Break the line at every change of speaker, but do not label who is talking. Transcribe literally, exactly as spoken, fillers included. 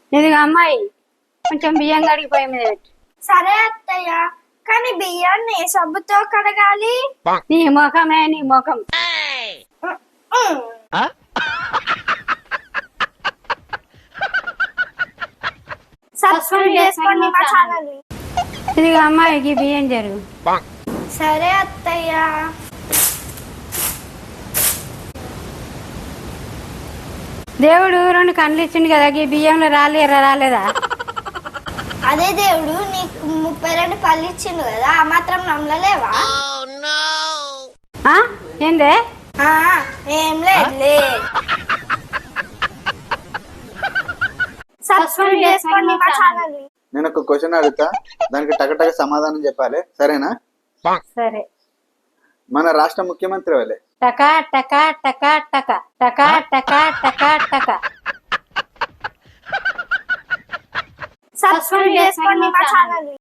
ఇదిగో అమ్మాయి కొంచెం బియ్యం కడిగి పొయ్యి మీద పెట్టు.
సరే అత్తయ్య, కానీ బియ్యాన్ని ఏ సబ్బుతో కడగాలి?
నీ ముఖమే నీ ముఖం.
ఉమ్. సబ్స్క్రైబ్ చేసుకోండి మా ఛానల్.
ఇదిగో అమ్మాయికి బియ్యం జరుగు.
సరే అత్తయ్య.
దేవుడు రెండు కళ్ళు ఇచ్చిండు కదా, ఈ బియ్యంలో రాలేరా రాలేదా?
అదే దేవుడు నీకు ముప్పై రెండు పళ్ళు ఇచ్చిండు కదా, ఆ మాత్రం నమ్మలేవా?
ఆ? ఏందే?
ఆ, ఏం లేదులే. సబ్స్క్రైబ్ చేసుకోండి మా ఛానల్.
నేను ఒక క్వశ్చన్ అడుగుతా, దానికి టకటక సమాధానం చెప్పాలి, సరేనా?
సరే.
మన రాష్ట్ర ముఖ్యమంత్రి వాళ్ళే.
టకా టకా టకా టకా టకా టకా టకా టకా.
సబ్స్క్రైబ్ చేసుకోండి మా ఛానల్.